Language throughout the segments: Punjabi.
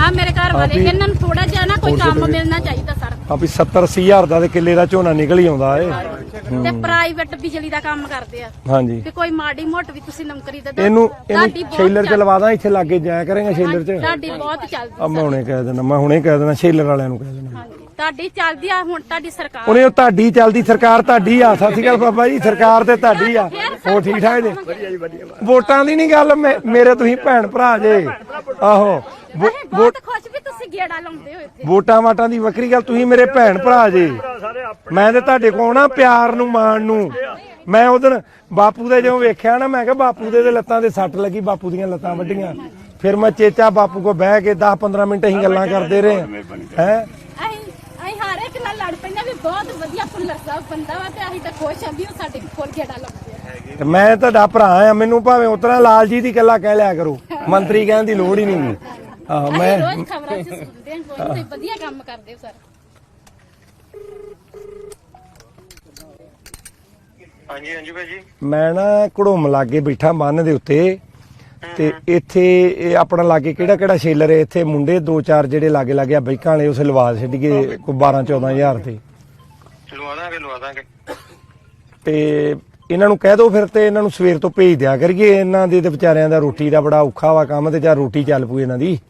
ਆ ਮੇਰੇ ਘਰ ਵਾਲੇ ਇਹਨਾਂ ਨੂੰ ਥੋੜਾ ਜਿਹਾ ਨਾ ਕੋਈ ਕੰਮ ਮਿਲਣਾ ਚਾਹੀਦਾ ਸਰ। ਆ ਵੀ 70-80 ਹਜ਼ਾਰ ਦਾ ਤੇ ਕਿੱਲੇ ਦਾ ਝੋਨਾ ਨਿਕਲ ਹੀ ਆਉਂਦਾ ਏ ਤੇ ਪ੍ਰਾਈਵੇਟ ਬਿਜਲੀ ਦਾ ਕੰਮ ਕਰਦੇ ਆ ਹਾਂਜੀ ਤੇ ਕੋਈ ਮਾੜੀ ਮੋਟ ਵੀ ਤੁਸੀਂ ਨੌਕਰੀ ਦੇ ਦਿਓ। ਇਹਨੂੰ ਸ਼ੇਲਰ ਚ ਲਵਾ ਦਾਂ ਇੱਥੇ ਲਾਗੇ ਜਾਇਆ ਕਰੇਗਾ ਸ਼ੇਲਰ ਚ ਤੁਹਾਡੀ ਬਹੁਤ ਚੱਲਦੀ ਆ ਮੈਂ ਹੁਣੇ ਕਹਿ ਦੇਣਾ ਸ਼ੇਲਰ ਵਾਲਿਆਂ ਨੂੰ ਕਹਿ ਦੇਣਾ ਹਾਂਜੀ ਤੁਹਾਡੀ ਚੱਲਦੀ ਆ ਹੁਣ ਤੁਹਾਡੀ ਸਰਕਾਰ ਉਹਨੇ ਤੁਹਾਡੀ ਚੱਲਦੀ ਸਰਕਾਰ ਤੁਹਾਡੀ ਆ। ਸਤਿ ਸ਼੍ਰੀ ਅਕਾਲ ਬਾਬਾ ਜੀ ਸਰਕਾਰ ਤੇ ਤੁਹਾਡੀ ਆ ਉਹ ਠੀਕ ਠਾਕ ਜੇ ਵੋਟਾਂ ਦੀ ਨਹੀਂ ਗੱਲ ਮੇਰੇ ਤੁਸੀਂ ਭੈਣ ਭਰਾ ਜੇ ਆਹੋ ਬਹੁਤ ਖੁਸ਼ ਵੀ ਤੁਸੀਂ ਗੇੜਾ ਲਾਉਂਦੇ ਹੋ ਇੱਥੇ ਵੋਟਾਂ ਵਾਟਾਂ ਦੀ ਵੱਖਰੀ ਗੱਲ ਤੁਸੀਂ ਮੇਰੇ ਭੈਣ ਭਰਾ ਜੇ ਮੈਂ ਤੇ ਤੁਹਾਡੇ ਕੋਲ ਆਉਣਾ ਪਿਆਰ ਨੂੰ ਮਾਣ ਨੂੰ। ਮੈਂ ਉਦੋਂ ਬਾਪੂ ਦੇ ਜਦੋਂ ਵੇਖਿਆ ਨਾ ਮੈਂ ਕਿਹਾ ਬਾਪੂ ਦੇ ਲੱਤਾਂ ਤੇ ਸੱਟ ਲੱਗੀ ਬਾਪੂ ਦੀਆਂ ਲੱਤਾਂ ਵੱਡੀਆਂ ਫਿਰ ਮੈਂ ਚੇਚਾ ਬਾਪੂ ਕੋਲ ਬਹਿ ਕੇ 10-15 ਮਿੰਟ ਅਸੀਂ ਗੱਲਾਂ ਕਰਦੇ ਰਹੇ ਹੈ ਅਸੀਂ ਹਰ ਇੱਕ ਨਾਲ ਲੜ ਪੈਂਦੇ ਵੀ ਬਹੁਤ ਵਧੀਆ ਫੁੱਲਰ ਸਾਹਿਬ ਬੰਦਾ ਵਾ ਤੇ ਅਸੀਂ ਤਾਂ ਖੁਸ਼ ਆਂ ਵੀ ਉਹ ਸਾਡੇ ਕੋਲ ਗੇੜਾ ਲਾਉਂਦੇ ਆ। ਮੈਂ ਤੁਹਾਡਾ ਭਰਾ ਆ ਮੈਨੂੰ ਭਾਵੇਂ ਉਤਰਾ ਲਾਲ ਜੀ ਦੀ ਗੱਲਾਂ ਕਹਿ ਲਿਆ ਕਰੋ ਮੰਤਰੀ ਕਹਿਣ ਦੀ ਲੋੜ ਹੀ ਨਹੀਂ। ਆਹ ਮੈਂ ਰੋਜ਼ ਖਬਰਾਂ 'ਚ ਸੁਣਦੇ ਆਂ ਬਹੁਤ ਵਧੀਆ ਕੰਮ ਕਰਦੇ ਹੋ ਸਰ। ਹਾਂਜੀ ਹਾਂਜੀ ਭਾਜੀ ਮੈਂ ਨਾ ਘੜੋਮ ਲਾਗੇ ਬੈਠਾ ਬੰਨ ਦੇ ਉੱਤੇ ਤੇ ਇੱਥੇ ਇਹ ਆਪਣਾ ਲਾਗੇ ਕਿਹੜਾ ਸ਼ੇਲਰ ਹੈ ਇੱਥੇ ਮੁੰਡੇ 2-4 ਜਿਹੜੇ ਲਾਗੇ ਆ ਬਾਈਕਾਂ ਵਾਲੇ ਉਸ ਲਵਾ ਛੱਡੀਏ ਕੋਈ 12-14 ਹਜ਼ਾਰ ਤੇ ਲਵਾ ਦਾਂਗੇ ਤੇ ਇਹਨਾਂ ਨੂੰ ਕਹਿ ਦੋ ਫਿਰ ਤੇ ਇਹਨਾਂ ਨੂੰ ਸਵੇਰ ਤੋਂ ਭੇਜ ਦਿਆ ਕਰੀਏ ਇਹਨਾਂ ਦੇ ਤੇ ਵਿਚਾਰਿਆਂ ਦਾ ਰੋਟੀ ਦਾ ਬੜਾ ਔਖਾ ਵਾ ਕੰਮ ਤੇ ਜਾਂ ਰੋਟੀ ਚੱਲ ਪੂ ਇਹਨਾਂ ਦੀ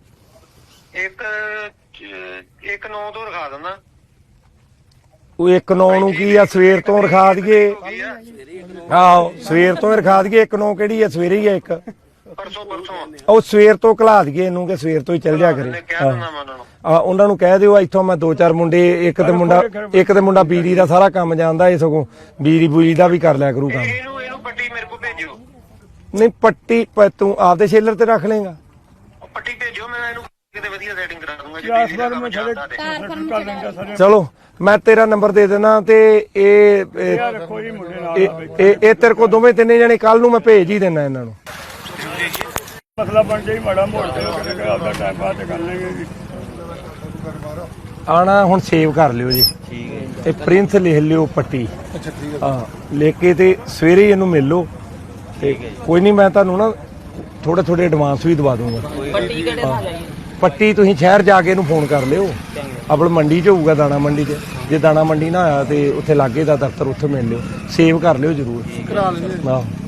ਇੱਕ 9 ਤੋਂ ਰਖਾ ਦਿੰਦਾ ਉਹ 1-9 ਨੂੰ ਕੀ ਆ ਸਵੇਰ ਤੋਂ ਰਖਾ ਦਈਏ ਆਹੋ ਸਵੇਰ ਤੋਂ ਰਖਾ ਦਈਏ 1-9 ਕਿਹੜੀ ਆ ਸਵੇਰੇ ਹੀ ਆ ਇੱਕ ਪਰਸੋਂ ਉਹ ਸਵੇਰ ਤੋਂ ਘਲਾ ਦਈਏ ਇਹਨੂੰ ਕਿ ਸਵੇਰ ਤੋਂ ਹੀ ਚੱਲ ਜਾ ਕਰੇ ਉਹਨਾਂ ਨੂੰ ਕਹਿ ਦਿਓ ਇੱਥੋਂ ਮੈਂ 2-4 ਮੁੰਡੇ ਇੱਕ ਤੇ ਮੁੰਡਾ ਬੀਰੀ ਦਾ ਸਾਰਾ ਕੰਮ ਜਾਣਦਾ ਇਹ ਸਗੋਂ ਬੀਰੀ ਬੂਰੀ ਦਾ ਵੀ ਕਰ ਲਿਆ ਕਰੂ ਕੰਮ। ਇਹਨੂੰ ਪੱਟੀ ਮੇਰੇ ਕੋਲ ਭੇਜਿਓ। ਨਹੀਂ ਪੱਟੀ ਤੂੰ ਆਪਦੇ ਸ਼ੇਲਰ ਤੇ ਰੱਖ ਲੇਗਾ ਪੱਟੀ ਭੇਜੋ ਮੈਂ ਇਹਨੂੰ ਕਿਤੇ ਵਧੀਆ ਸੈਟਿੰਗ ਕਰਾ ਦੂੰਗਾ। ਚਲੋ ਮੈਂ ਤੇਰਾ ਨੰਬਰ ਦੇ ਦੇਣਾ ਤੇ ਇਹ ਤੇਰੇ ਕੋਲ ਦੋਵੇਂ ਤਿੰਨੇ ਜਣੇ ਕੱਲ ਨੂੰ ਮੈਂ ਭੇਜ ਹੀ ਦੇਣਾ ਇਹਨਾਂ ਨੂੰ। ਮਸਲਾ ਬਣ ਜਾਈ ਮਾੜਾ ਮੋੜ ਤੇ ਆਪਦਾ ਟਾਈਮ ਪਾਸ ਕਰ ਲੈਂਗੇ ਜੀ। ਆਣਾ ਹੁਣ ਸੇਵ ਕਰ ਲਿਓ ਜੀ ਤੇ ਪ੍ਰਿੰਸ ਲਿਖ ਲਿਓ ਪੱਟੀ ਹਾਂ ਲਿਖ ਕੇ ਤੇ ਸਵੇਰੇ ਇਹਨੂੰ ਮਿਲ ਲਓ ਤੇ ਕੋਈ ਨਹੀਂ ਮੈਂ ਤੁਹਾਨੂੰ ਨਾ ਥੋੜੇ ਐਡਵਾਂਸ ਵੀ ਦਵਾ ਦੂੰਗਾ। ਪੱਟੀ ਤੁਸੀਂ ਸ਼ਹਿਰ ਜਾ ਕੇ ਇਹਨੂੰ ਫੋਨ ਕਰ ਲਿਓ ਆਪਲ ਮੰਡੀ 'ਚ ਹੋਊਗਾ ਦਾਣਾ ਮੰਡੀ 'ਚ ਜੇ ਦਾਣਾ ਮੰਡੀ ਨਾ ਆਇਆ ਤੇ ਉੱਥੇ ਲਾਗੇ ਦਾ ਦਫ਼ਤਰ ਉੱਥੇ ਮਿਲ ਲਿਓ ਸੇਵ ਕਰ ਲਿਓ ਜ਼ਰੂਰ।